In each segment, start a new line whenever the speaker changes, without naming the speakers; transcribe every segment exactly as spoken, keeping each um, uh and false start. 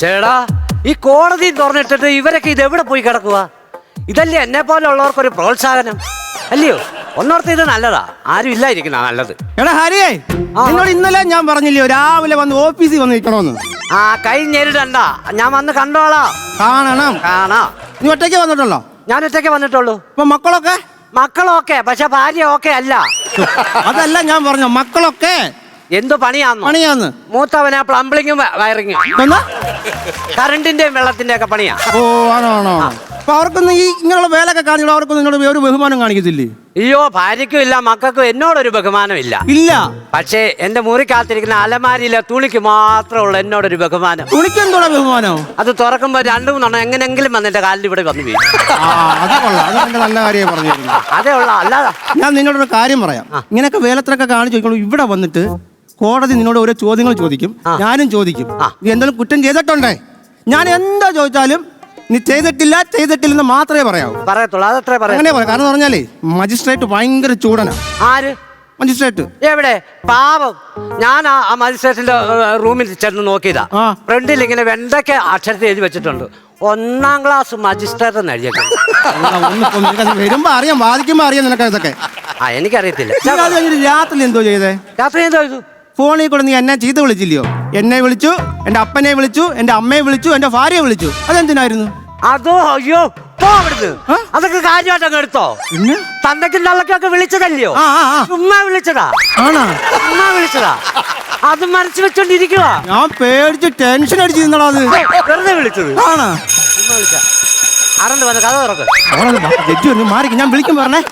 ചേടാ ഈ കോടതി തുറന്നിട്ടിട്ട് ഇവരൊക്കെ ഇത് എവിടെ പോയി കിടക്കുക? ഇതല്ലേ എന്നെ പോലെ ഉള്ളവർക്കൊരു പ്രോത്സാഹനം അല്ലയോ? ഒന്നോർത്ത് ഇത് നല്ലതാ, ആരും ഇല്ലായിരിക്കുന്ന നല്ലത്.
എടാ ഹരിയേ, എന്നോട് ഇന്നലെ ഞാൻ പറഞ്ഞില്ലയോ രാവിലെ വന്ന് ഓഫീസിൽ വന്ന് നിൽക്കണോന്ന്?
ആ കൈ ഞെരിടണ്ട, ഞാൻ വന്ന് കണ്ടോളാം.
കാണണം.
കാണാ.
നീ ഒറ്റയ്ക്ക് വന്നിട്ടുള്ളോ?
ഞാൻ ഒറ്റയ്ക്ക് വന്നിട്ടുള്ളൂ.
ഇപ്പൊ മക്കളൊക്കെ?
മക്കളൊക്കെ, പക്ഷെ ഭാര്യ ഓക്കെ അല്ല.
അതല്ല ഞാൻ പറഞ്ഞു, മക്കളൊക്കെ
എന്തു പണിയാന്ന്?
പണിയാന്ന്
മൂത്തവനാ പ്ലംബിളിങ്ങും വയറിങ്ങും, കറണ്ടിന്റെയും വെള്ളത്തിന്റെ ഒക്കെ പണിയാ.
ഓ ആണോ ആണോ. അപ്പൊ അവർക്കൊന്നും ഈ ഇങ്ങനെയുള്ള വേലൊക്കെ കാണിച്ചോ അവർക്കൊന്നും നിന്നോട് ഒരു ബഹുമാനം കാണിക്കത്തില്ലേ?
അയ്യോ, ഭാര്യയ്ക്കും ഇല്ല മക്കൾക്കും എന്നോടൊരു ബഹുമാനം ഇല്ല.
ഇല്ല.
പക്ഷേ എന്റെ മുറിക്കകത്തിരിക്കുന്ന അലമാരിയിലെ തുണിക്ക് മാത്രമുള്ള എന്നോടൊരു ബഹുമാനം.
തുണിക്ക് എന്തോടാ ബഹുമാനം? അത്
തുറക്കുമ്പോ രണ്ടു മൂന്നെണ്ണം എങ്ങനെങ്കിലും വന്ന് എന്റെ കാലിൽ ഇവിടെ വന്നു വീഴും.
നല്ല കാര്യം പറഞ്ഞു.
അതേ ഉള്ള അല്ലാതെ.
ഞാൻ നിന്നോടൊരു കാര്യം പറയാം. ഇങ്ങനെയൊക്കെ വേലത്തിലൊക്കെ കാണിച്ചു ചോദിക്കണു. ഇവിടെ വന്നിട്ട് കോടതി നിന്നോട് ഓരോ ചോദ്യങ്ങൾ ചോദിക്കും, ഞാനും ചോദിക്കും. നീ എന്തെങ്കിലും കുറ്റം ചെയ്തിട്ടുണ്ടേ? ഞാൻ എന്താ ചോദിച്ചാലും നീ ചെയ്തിട്ടില്ല ചെയ്തിട്ടില്ലെന്ന് മാത്രമേ പറയാവൂ.
പറയത്തുള്ളൂ. അതത്രേ പറയാം.
അങ്ങനെ പറയാം. കാരണം പറഞ്ഞാലേ മജിസ്ട്രേറ്റ് ഭയങ്കര ചൂടനാ.
ആര്
മജിസ്ട്രേറ്റ്?
എവിടെ? പാവം. ഞാൻ ആ മജിസ്ട്രേറ്റിന്റെ റൂമിൽ ചെന്ന് നോക്കിയതാ. ഫ്രണ്ടിൽ ഇങ്ങനെ വെണ്ടയ്ക്ക് അക്ഷരത്തിൽ എഴുതി വെച്ചിട്ടുണ്ട്, ഒന്നാം ക്ലാസ് മജിസ്ട്രേറ്റ് എന്ന് എഴുതിയിട്ടുണ്ട്.
വരുമ്പോ അറിയാം, വാദിക്കുമ്പോ അറിയാം നിനക്ക് ഇതൊക്കെ.
ആ എനിക്കറിയത്തില്ല.
രാത്രി എന്തോ ചെയ്തേ?
രാത്രി എന്തോ ചെയ്തു?
ഫോണിൽ കൂടെ നീ എന്നെ ചീത്ത വിളിച്ചില്ലയോ? എന്നെ വിളിച്ചു, എന്റെ അപ്പനെ വിളിച്ചു, എന്റെ അമ്മയെ വിളിച്ചു, എന്റെ ഭാര്യയെ വിളിച്ചു. അതെന്തിനായിരുന്നു?
അതോ അയ്യോ പോ അവിടുന്ന്. അതൊക്കെ കാര്യമായിട്ട് അങ്ങ് എടുത്തോ. തന്തയ്ക്കും തള്ളക്കൊക്കെ വിളിച്ചതല്ലയോ? ചുമ്മാ വിളിച്ചതാ.
ആണോ?
ചുമ്മാ വിളിച്ചതാ. അത് മനസ്സ് വെച്ചോണ്ടിരിക്കുക.
ഞാൻ പേടിച്ച് ടെൻഷൻ അടിച്ച് നിന്നടാ. അത്
വെറുതെ വിളിച്ചത്.
ആണോ?
ചുമ്മാ വിളിച്ച ആരണ്ട് വന്ന് കഥ തുറക്ക്.
മാറിക്ക്, ഞാൻ വിളിക്കും പറഞ്ഞേ.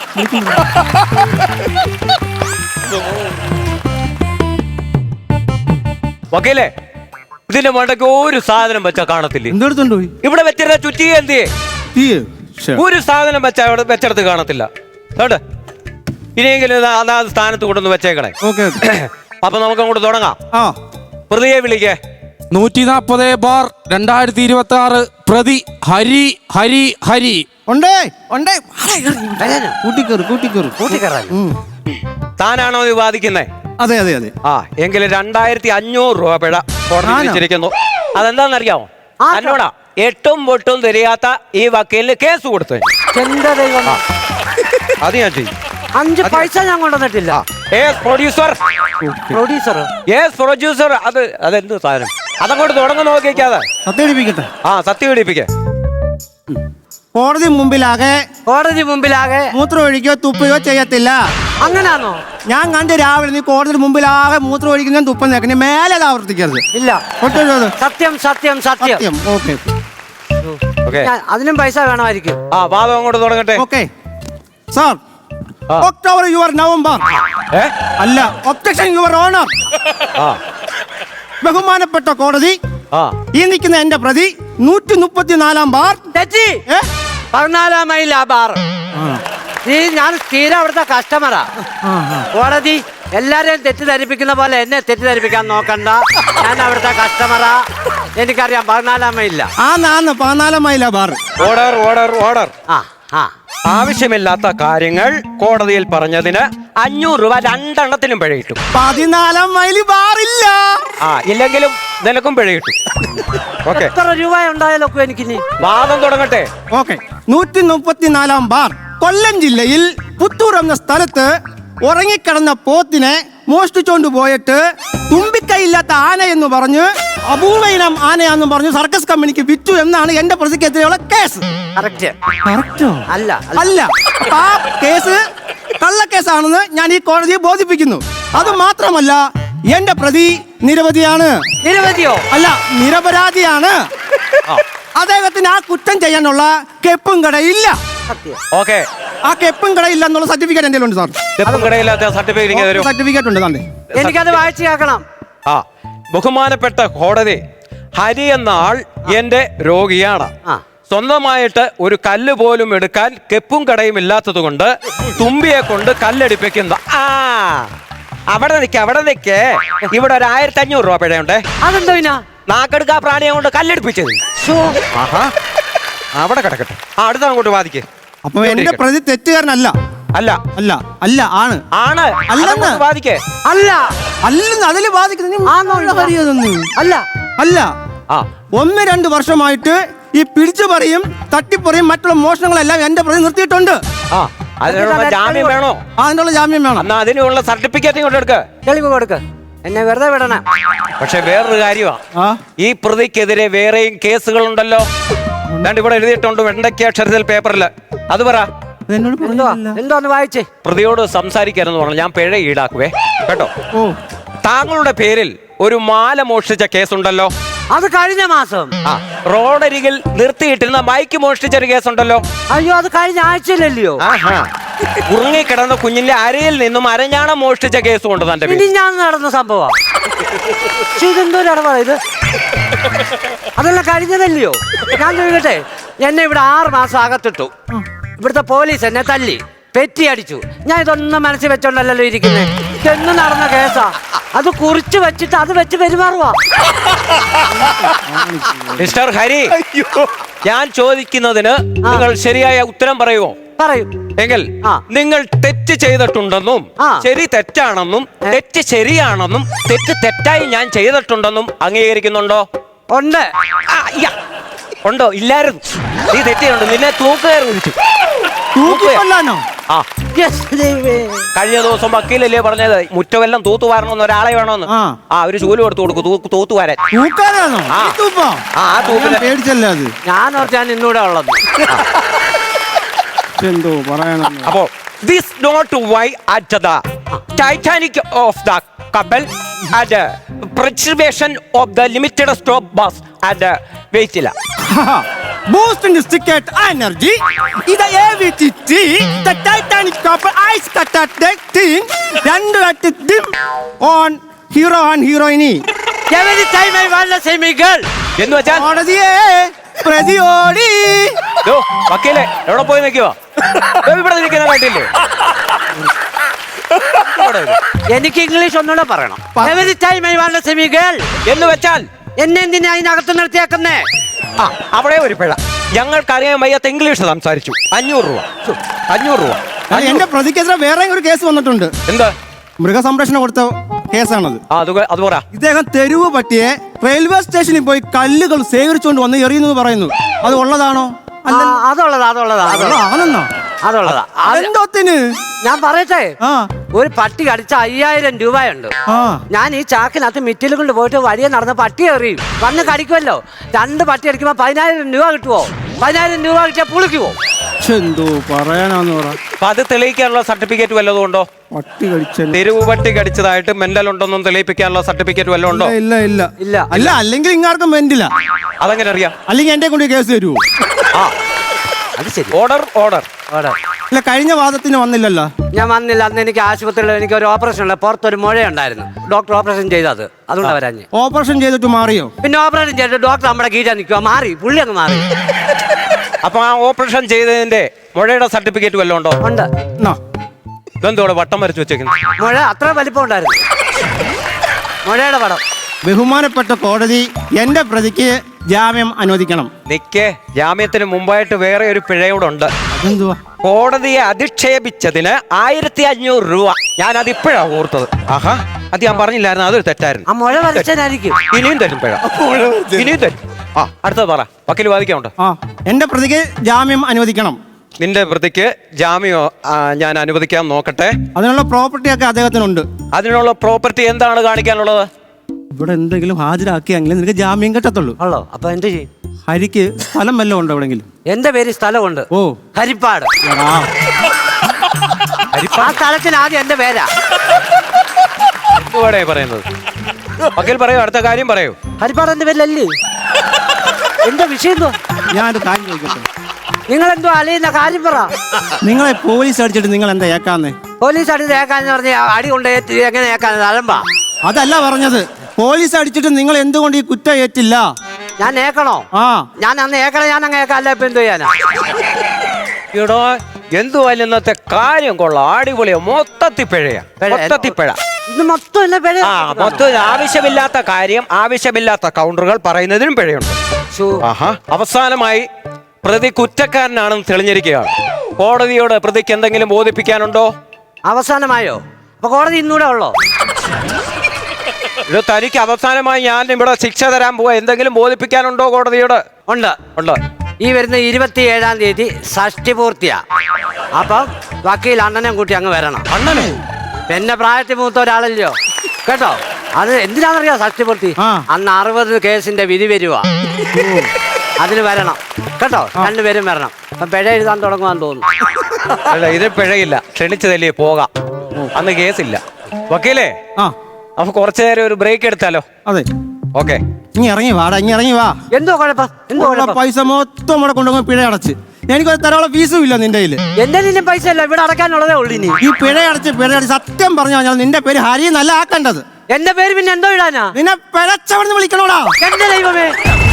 വക്കീലേ, ഇതിന്റെ മണ്ടയ്ക്ക് ഒരു സാധനം വെച്ചാ കാണത്തില്ലേ?
എന്തെടുത്തോണ്ട് പോയി?
ഇവിടെ വെച്ചിരുന്ന ചുറ്റി എന്തിയെ? ഒരു സാധനം വെച്ചാ ഇവിടെ വെച്ചെടുത്ത് കാണത്തില്ല. കേട്ടോ, ഇനിയെങ്കിലും അതാത് സ്ഥാനത്ത് കൊണ്ടൊന്ന് വെച്ചേക്കണേ. അപ്പൊ നമുക്ക് അങ്ങോട്ട് തുടങ്ങാം. പ്രതിയെ വിളിക്കേ.
നൂറ്റി നാപ്പത് ബാർ രണ്ടായിരത്തി ഇരുപത്തി ആറ് പ്രതി ഹരി ഹരി ഹരി.
ഉണ്ടേ ഉണ്ടേ കൂട്ടിക്കേറ് കൂട്ടിക്കേറ്
കൂട്ടിക്കയറാൻ.
താനാണോ ഇത് വാദിക്കുന്നേ?
അതെ അതെ അതെ.
ആ എങ്കിൽ രണ്ടായിരത്തി അഞ്ഞൂറ് രൂപ പിഴ കോടതി വിധിച്ചിരിക്കുന്നു. അതെന്താണെന്നറിയാമോ? എന്നോടാ എട്ടും പൊട്ടും തിരിയാത്ത ഈ വക്കീലിന് കേസ് കൊടുത്തു.
എന്റെ ദൈവം,
അത് ഞാൻ ചെയ്യും.
അഞ്ച് പൈസ ഞാൻ കൊണ്ടുവന്നിട്ടില്ല.
പ്രൊഡ്യൂസർ
പ്രൊഡ്യൂസർ
പ്രൊഡ്യൂസർ അത് അതെന്ത് സാധനം? അതങ്ങോട്ട് തുടങ്ങി നോക്കിക്കാതെ
സത്യം പിടിപ്പിക്കട്ടെ.
ആ സത്യം പിടിപ്പിക്കേ.
കോടതി മുമ്പിലാകെ
കോടതി മുമ്പിലാകെ
മൂത്രം ഒഴിക്കോ തുപ്പയോ ചെയ്യത്തില്ല.
അങ്ങനാണോ?
ഞാൻ കണ്ട് രാവിലെ നീ കോടതി മുമ്പിലാകെ മൂത്രം ഒഴിക്കുന്ന തുപ്പം നേക്കണേ, മേലെ അത് ആവർത്തിക്കരുത്.
ഇല്ല. സത്യം സത്യം സത്യം.
ഓക്കെ.
അതിനും പൈസ വേണമായിരിക്കും.
ആ വാദം അങ്ങോട്ട് തുടങ്ങട്ടെ.
Okay sir. October your November. അല്ല, ഒബ്ജക്ഷൻ യുവർ ഓണർ. ബഹുമാനപ്പെട്ട കോടതി, ഈ നിൽക്കുന്ന എന്റെ പ്രതി നൂറ്റി മുപ്പത്തിനാലാം ബാർ
തെറ്റി. പതിനാലാം മൈൽ ആ ബാർ. ഈ ഞാൻ സ്ഥിരം അവിടുത്തെ കസ്റ്റമറാ. കോടതി എല്ലാരെയും തെറ്റിദ്ധരിപ്പിക്കുന്ന പോലെ എന്നെ തെറ്റിദ്ധരിപ്പിക്കാൻ നോക്കണ്ട. ഞാൻ അവിടുത്തെ കസ്റ്റമറാ, എനിക്കറിയാം. പതിനാലാം മൈലില്ല.
ആ നാന്ന് പതിനാലാം മൈലാ ബാർ.
Order order order.
ആ ആ
ആവശ്യമില്ലാത്ത കാര്യങ്ങൾ കോടതിയിൽ പറഞ്ഞതിന് അഞ്ഞൂറ് രൂപ രണ്ടെണ്ണത്തിനും പിഴ കിട്ടും.
പതിനാലാം മൈല് ബാറില്ല.
ആ ഇല്ലെങ്കിലും നിനക്കും പിഴ കിട്ടും. ഓക്കെ.
എത്ര രൂപ ഉണ്ടായാലൊക്കെ എനിക്കിനി
വാദം തുടങ്ങട്ടെ.
ഓക്കെ. നൂറ്റി മുപ്പത്തിനാലാം ബാർ. കൊല്ലം ജില്ലയിൽ പുത്തൂർ എന്ന സ്ഥലത്ത് ഉറങ്ങിക്കിടന്ന പോത്തിനെ മോഷ്ടിച്ചോണ്ട് പോയിട്ട് തുമ്പിക്കൈയില്ലാത്ത ആന എന്ന് പറഞ്ഞ് അപൂർവ ഇനം ആനയാന്ന് പറഞ്ഞ് സർക്കസ് കമ്പനിക്ക് വിറ്റു എന്നാണ് എന്റെ പ്രതിക്കെതിരെയുള്ള കേസ്.
അല്ല
അല്ല, ആ കേസ് കള്ളക്കേസാണെന്ന് ഞാൻ ഈ കോടതിയെ ബോധിപ്പിക്കുന്നു. അത് മാത്രമല്ല, എന്റെ പ്രതി നിരവധിയാണ്.
നിരവധിയോ?
അല്ല, നിരപരാധിയാണ്. അദ്ദേഹത്തിന് ആ കുറ്റം ചെയ്യാനുള്ള കെപ്പും കടയില്ല.
ഓക്കെ.
ആ കെപ്പും കടയില്ല എന്നുള്ള സർട്ടിഫിക്കറ്റ് എന്റെ ഉണ്ട് സാർ. സർട്ടിഫിക്കറ്റ് ഉണ്ട് സാറിന്റെ.
എനിക്കത് വായിച്ചു കേൾക്കണം.
ആ ബഹുമാനപ്പെട്ട കോടതി, ഹരി എന്ന ആൾ എന്റെ രോഗിയാണ്. സ്വന്തമായിട്ട് ഒരു കല്ല് പോലും എടുക്കാൻ കെപ്പും കടയും ഇല്ലാത്തത് കൊണ്ട് തുമ്പിയെ കൊണ്ട് കല്ലടിപ്പിക്കുന്ന. ആ അവിടെ നിൽക്ക അവിടെ നിൽക്കേ. ഇവിടെ ഒരു ആയിരത്തി അഞ്ഞൂറ് രൂപ പിഴയുണ്ടേ.
അതെന്തോ പിന്നെ
നാക്കെടുക്കാ പ്രാണിയെ കൊണ്ട് കല്ലടിപ്പിച്ചത്. അവിടെ കിടക്കട്ടെ. ആ അടുത്ത അങ്ങോട്ട് വാദിക്കേ.
അപ്പൊ എന്റെ പ്രതി തെറ്റുകാരനല്ല.
അല്ല
അല്ല അല്ല ആണ്
ആണ്
അല്ലെന്ന്
വാദിക്കേ.
അല്ല
അല്ലെന്ന് അതില് വാദിക്കുന്നത്.
അല്ല
അല്ല
ആ
ആ.
ഒന്ന് രണ്ട് വർഷമായിട്ട് ഈ പിടിച്ചുപറിയും തട്ടിപ്പറിയും മറ്റുള്ള മോഷണങ്ങളെല്ലാം എന്റെ പ്രതി നിർത്തിയിട്ടുണ്ട്.
ആ അതിനുള്ള ജാമ്യം വേണോ?
ആ, അതിനുള്ള ജാമ്യം വേണം.
എന്നാ അതിനുള്ള സർട്ടിഫിക്കറ്റ് ഇങ്ങോട്ട് എടുക്ക.
തെളിവ് കൊടുക്ക്, എന്നെ വെറുതെ വിടണം.
പക്ഷെ വേറൊരു കാര്യമാണ്,
ആ
ഈ പ്രതിക്കെതിരെ വേറെയും കേസുകളുണ്ടല്ലോ. രണ്ട് ഇവിടെ എഴുതിയിട്ടുണ്ട് വെണ്ടയ്ക്ക അക്ഷരത്തിൽ പേപ്പറിൽ. അത് പറ.
അതെന്നോട്
എന്തുവാ
പറഞ്ഞില്ല.
എന്തോന്ന് വായിച്ചേ?
പ്രതിയോട് സംസാരിക്കരുതെന്ന് പറഞ്ഞു. ഞാൻ പിഴ ഈടാക്കുവേ കേട്ടോ.
ഓ,
താങ്കളുടെ പേരിൽ ഒരു മാല മോഷ്ടിച്ച കേസുണ്ടല്ലോ.
അത് കഴിഞ്ഞ മാസം.
ആ റോഡരികിൽ നിർത്തിയിട്ടിരുന്ന ബൈക്ക് മോഷ്ടിച്ച ഒരു കേസുണ്ടല്ലോ.
അയ്യോ, അത് കഴിഞ്ഞ ആഴ്ചയിലല്ലയോ?
ആഹാ ഉറങ്ങിക്കിടന്ന കുഞ്ഞിന്റെ അരയിൽ നിന്നും അരഞ്ഞാണം മോഷ്ടിച്ച കേസും ഉണ്ട് തന്റെ
ഇനി ഞാൻ നടന്ന സംഭവം. ഇതെന്തോ ഇടപാടാ ഇത്? അതെല്ലാം കഴിഞ്ഞതല്ലയോ? ഞാൻ ചോദിക്കട്ടെ, എന്നെ ഇവിടെ ആറ് മാസം അകത്തിട്ടു. ഇവിടുത്തെ പോലീസ് എന്നെ തല്ലി പെറ്റി അടിച്ചു. ഞാൻ ഇതൊന്നും മനസ്സിൽ വെച്ചോണ്ടല്ലോ ഇരിക്കുന്നത്. ഇതെന്നും നടന്ന കേസാ. അത് കുറിച്ച് വെച്ചിട്ട് അത് വെച്ച് പെരുമാറുവാ.
മിസ്റ്റർ ഹരി, ഞാൻ ചോദിക്കുന്നതിന് നിങ്ങൾ ശരിയായ ഉത്തരം പറയുമോ?
പറയൂ.
എങ്കിൽ
ആ.
നിങ്ങൾ തെറ്റ് ചെയ്തിട്ടുണ്ടെന്നും
ആ.
ശരി തെറ്റാണെന്നും തെറ്റ് ശരിയാണെന്നും തെറ്റ് തെറ്റായി ഞാൻ ചെയ്തിട്ടുണ്ടെന്നും അംഗീകരിക്കുന്നുണ്ടോ?
ഉണ്ട്.
ആ, യ്യ. ഉണ്ടോ? ഇല്ലായിരുന്നു. നീ തെറ്റിയുണ്ട്. നിന്നെ തൂക്കുകയർ വിളിച്ചു.
തൂക്കിക്കൊല്ലാനോ?
ആ
Yes, ദൈവമേ.
കഴിഞ്ഞ ദിവസം വക്കീലല്ലേ പറഞ്ഞത് മുറ്റമെല്ലാം തൂത്തുവാരണമെന്ന് ഒരാളെ വേണമെന്ന്.
ആ.
ആ ഒരു ജോലി കൊടുത്തു കൊടുക്കും തൂ തൂത്തുവാരൻ.
തൂക്കാനാണോ?
ആ.
ഈ തൂപ്പോ?
ആ ആ തൂപ്പിന്
ഞാൻ പേടിച്ചല്ലേ അത്.
ഞാൻ ഓർത്ത് ഞാൻ ഇന്നൂടെ ഉള്ളത്.
എന്തോ പറയണം.
അപ്പോ this note why at the Titanic of the കപ്പൽ and preservation of the limited stop bus and വെയിറ്റില്ല.
Boost in the ticket energy. ഇത് A V T T. The Titanic couple ice cut at the thing. രണ്ട് at dim on hero and heroine.
Every time I want to see me girl.
എന്ന് വെച്ചാൽ
കോടതിയെ പ്രതിയോടി.
ദോ, വക്കീലെ എവിടെ പോയി നിൽക്കുവാ? ഇവിടെ നിൽക്കുന്ന കണ്ടില്ലേ? ഇവിടെ ഇത്.
എനിക്ക് ഇംഗ്ലീഷ് ഒന്നുകൂടെ പറയണം. Every time I want to see me girl.
എന്ന് വെച്ചാൽ
എന്നെ എന്തിനാ അതിനകത്ത് നിർത്തിയാക്കുന്നേ?
ആ അവിടെ ഒരു പിഴ. ഞങ്ങൾക്കറിയാൻ വയ്യാത്ത ഇംഗ്ലീഷ് സംസാരിച്ചു. അഞ്ഞൂറ് രൂപ അഞ്ഞൂറ് രൂപ
അത് എന്റെ പ്രതിക്കെതിരെ വേറെ ഒരു കേസ് വന്നിട്ടുണ്ട്.
എന്താ?
മൃഗസംരക്ഷണം കൊടുത്ത കേസാണത്.
ആ അത് അത് പറ.
ഇദ്ദേഹം തെരുവ് പട്ടിയെ റെയിൽവേ സ്റ്റേഷനിൽ പോയി കല്ലുകൾ ശേഖരിച്ചുകൊണ്ട് വന്ന് എറിയുന്നു പറയുന്നു. അത് ഉള്ളതാണോ?
ആ, അതുള്ളതാ അതുള്ളതാ അതുള്ളതാ
ആണെന്നോ?
അതുള്ളതാ. അത്
അതെന്തോത്തിന്?
ഞാൻ പറയട്ടെ,
ആ
ഒരു പട്ടി കടിച്ച അയ്യായിരം രൂപയുണ്ട്.
ആ
ഞാൻ ഈ ചാക്കിനകത്ത് മിറ്റിൽ കൊണ്ട് പോയിട്ട് വഴിയെ നടന്ന പട്ടി എറിയും. വന്ന് കടിക്കുമല്ലോ. രണ്ട് പട്ടി അടിക്കുമ്പോ പതിനായിരം രൂപ കിട്ടുവോ? പതിനായിരം രൂപ കിട്ടിയാൽ പുളിക്കുവോ?
എന്തോ പറയാനാന്ന് പറ.
അപ്പൊ അത് തെളിയിക്കാനുള്ള സർട്ടിഫിക്കറ്റ് വല്ലതും ഉണ്ടോ?
പട്ടി കടിച്ചല്ലോ.
തെരുവ് പട്ടി കടിച്ചതായിട്ട് മെന്റൽ ഉണ്ടെന്നും തെളിയിപ്പിക്കാനുള്ള സർട്ടിഫിക്കറ്റ് വല്ലതും ഉണ്ടോ?
ഇല്ല ഇല്ല
ഇല്ല.
അല്ല, അല്ലെങ്കിൽ ഇങ്ങാർക്കും വെന്റില്ല.
അതെങ്ങനെ അറിയാം?
അല്ലെങ്കിൽ എന്റെ കൊണ്ട് കേസ് തരുമോ?
ആ
അത് ശരി.
ഓർഡർ ഓർഡർ
ഓടെ.
ഇല്ല, കഴിഞ്ഞ വാദത്തിന് വന്നില്ലല്ലോ.
ഞാൻ വന്നില്ല. അന്ന് എനിക്ക് ആശുപത്രിയിൽ എനിക്ക് ഒരു ഓപ്പറേഷൻ ഉണ്ട്. പുറത്തൊരു മുഴയുണ്ടായിരുന്നു. ഡോക്ടർ ഓപ്പറേഷൻ ചെയ്തത്. അതുകൊണ്ട് വരാഞ്ഞ്.
ഓപ്പറേഷൻ ചെയ്തിട്ട് മാറിയോ?
പിന്നെ ഓപ്പറേഷൻ ചെയ്തിട്ട് ഡോക്ടർ നമ്മുടെ കീഴാൻ നിൽക്കുക. മാറി, പുള്ളി അങ്ങ് മാറി.
അപ്പൊ ആ ഓപ്പറേഷൻ ചെയ്തതിന്റെ മുഴയുടെ സർട്ടിഫിക്കറ്റ് വല്ലതും ഉണ്ടോ?
ഉണ്ട്.
എന്നാ,
ഇതെന്തോടെ വട്ടം വരച്ചു വെച്ചേക്കുന്നു?
മുഴ അത്ര വലിപ്പം ഉണ്ടായിരുന്നു. മുഴയുടെ പടം.
ബഹുമാനപ്പെട്ട കോടതി എന്റെ പ്രതിക്ക് ജാമ്യം അനുവദിക്കണം.
നിക്ക്, ജാമ്യത്തിന് മുമ്പായിട്ട് വേറെ ഒരു പിഴയോടുണ്ട്.
എന്തുവാ?
കോടതിയെ അധിക്ഷേപിച്ചതിന് ആയിരത്തി അഞ്ഞൂറ് രൂപ. ഞാൻ അത് ഇപ്പോഴാ ഓർത്തത്. ആഹാ, അത് ഞാൻ പറഞ്ഞില്ലായിരുന്നു. അതൊരു തെറ്റായിരുന്നു.
ആ മുഴ വരച്ചനായിരിക്കും.
ഇനിയും തരും പിഴ. ഇനിയും തരും. ആ അടുത്തത് പറ. വക്കീൽ വാദിക്കാനുണ്ട്.
ആ എന്റെ പ്രതിക്ക് ജാമ്യം അനുവദിക്കണം.
നിന്റെ പ്രതിക്ക് ജാമ്യം ആ, ഞാൻ അനുവദിക്കാൻ നോക്കട്ടെ.
അതിനുള്ള പ്രോപ്പർട്ടി ഒക്കെ അദ്ദേഹത്തിനുണ്ട്.
അതിനുള്ള പ്രോപ്പർട്ടി എന്താണ് കാണിക്കാനുള്ളത്?
ഇവിടെ എന്തെങ്കിലും ഹാജരാക്കിയെങ്കിലും നിനക്ക് ജാമ്യം കിട്ടത്തുള്ളൂ.
ഉള്ളോ? അപ്പൊ എന്ത് ചെയ്യും?
ഹരിക്ക് സ്ഥലം വല്ലതും ഉണ്ടോ എവിടെങ്കിലും?
എന്റെ പേര് സ്ഥലമുണ്ട്.
ഓ,
ഹരിപ്പാട്.
എടാ.
ആ സ്ഥലത്തിന് ആദ്യം എന്റെ പേരാ.
എന്തുവാടേ പറയുന്നത്? വക്കീൽ പറയൂ, അടുത്ത കാര്യം പറയൂ.
ഹരിപ്പാട് എന്റെ പേരിലല്ലേ? എന്റെ വിഷയം എന്തോ?
ഞാനൊരു കാര്യം ചോദിക്കട്ടെ.
നിങ്ങൾ എന്തോ അലയുന്ന കാര്യം പറ.
നിങ്ങളെ പോലീസ് അടിച്ചിട്ട് നിങ്ങൾ എന്താ ഏക്കാന്നേ?
പോലീസ് അടി തേക്കാന്ന് പറഞ്ഞ അടി കൊണ്ട് ഏറ്റ് എങ്ങനെ ഏക്കാൻ അലമ്പാ?
അതല്ല പറഞ്ഞത്. പോലീസ് അടിച്ചിട്ട് നിങ്ങൾ എന്തുകൊണ്ട് ഈ കുറ്റം ഏറ്റില്ല?
ഞാൻ ഏക്കണോ?
ആ
ഞാൻ അന്ന് ഏക്കണ ഞാൻ അങ്ങ് ഏക്കാം. അല്ല ഇപ്പൊ എന്ത് ചെയ്യാനാ?
എടോ, എന്തുവായാലും ഇന്നത്തെ കാര്യം കൊള്ളാം. അടിപൊളിയാ. മൊത്തത്തിൽ പിഴയാ. മൊത്തത്തിൽ പിഴ.
ഇത് മൊത്തം എന്നെ പിഴ.
ആ മൊത്തം ആവശ്യമില്ലാത്ത കാര്യം ആവശ്യമില്ലാത്ത കൗണ്ടറുകൾ പറയുന്നതിനും പിഴയുണ്ട്. ആഹാ. അവസാനമായി പ്രതി കുറ്റക്കാരനാണെന്ന് തെളിഞ്ഞിരിക്കുകയാണ്. കോടതിയോട് പ്രതിക്ക് എന്തെങ്കിലും ബോധിപ്പിക്കാനുണ്ടോ?
അവസാനമായോ? അപ്പൊ കോടതി ഇന്നൂടെ ഉള്ളോ?
ഇത് തനിക്ക് അവസാനമായി ഞാൻ ഇവിടെ ശിക്ഷ തരാൻ പോവാ. എന്തെങ്കിലും ബോധിപ്പിക്കാനുണ്ടോ കോടതിയോട്?
ഉണ്ട്
ഉണ്ട്.
ഈ വരുന്ന ഇരുപത്തി ഏഴാം തീയതി ഷഷ്ടി പൂർത്തിയാ. അപ്പം വക്കീൽ അണ്ണനെ കൂട്ടി അങ്ങ് വരണം.
അണ്ണനെ?
എന്നെ പ്രായത്തിൽ മൂത്ത ഒരാളല്ലയോ കേട്ടോ. അത് എന്തിനാണെന്നറിയാം ഷഷ്ടി പൂർത്തി?
ആ.
അന്ന് അറുപത് കേസിന്റെ വിധി വരുവാ. അതിന് വരണം കേട്ടോ. രണ്ടുപേരും വരണം. അപ്പം പിഴ എഴുതാൻ തുടങ്ങുവാന്ന് തോന്നുന്നു.
അല്ല, ഇത് പിഴയില്ല. ക്ഷണിച്ചതല്ലേ, പോകാം. അന്ന് കേസില്ല. വക്കീലേ,
ആ
നമുക്ക് കുറച്ചു നേരം ഒരു ബ്രേക്ക് എടുത്താലോ?
അതെ.
ഓക്കെ.
ഇനി ഇറങ്ങി വാടാ, ഇനി ഇറങ്ങി വാ.
എന്തോ കുഴപ്പം? എന്തോ
ഉള്ള
കുഴപ്പം?
പൈസ മൊത്തം ഇവിടെ കൊണ്ടുപോയി പിഴ അടച്ച് എനിക്ക് തരാനുള്ള ഫീസും ഇല്ല നിന്റെ കയ്യില്.
എന്റെ നിന്നും പൈസ അല്ല, ഇവിടെ അടക്കാനുള്ളതേ ഉള്ളൂ. ഇനി
ഈ പിഴ അടച്ച് പിഴ അടച്ച് സത്യം പറഞ്ഞു കഴിഞ്ഞാൽ നിന്റെ പേര് ഹരി എന്നല്ല ആക്കേണ്ടത്.
എന്റെ പേര് പിന്നെ എന്തോ ഇടാനാ?
നിന്നെ പിഴച്ചവിടുന്ന് വിളിക്കണോടാ.
എന്റെ ദൈവമേ,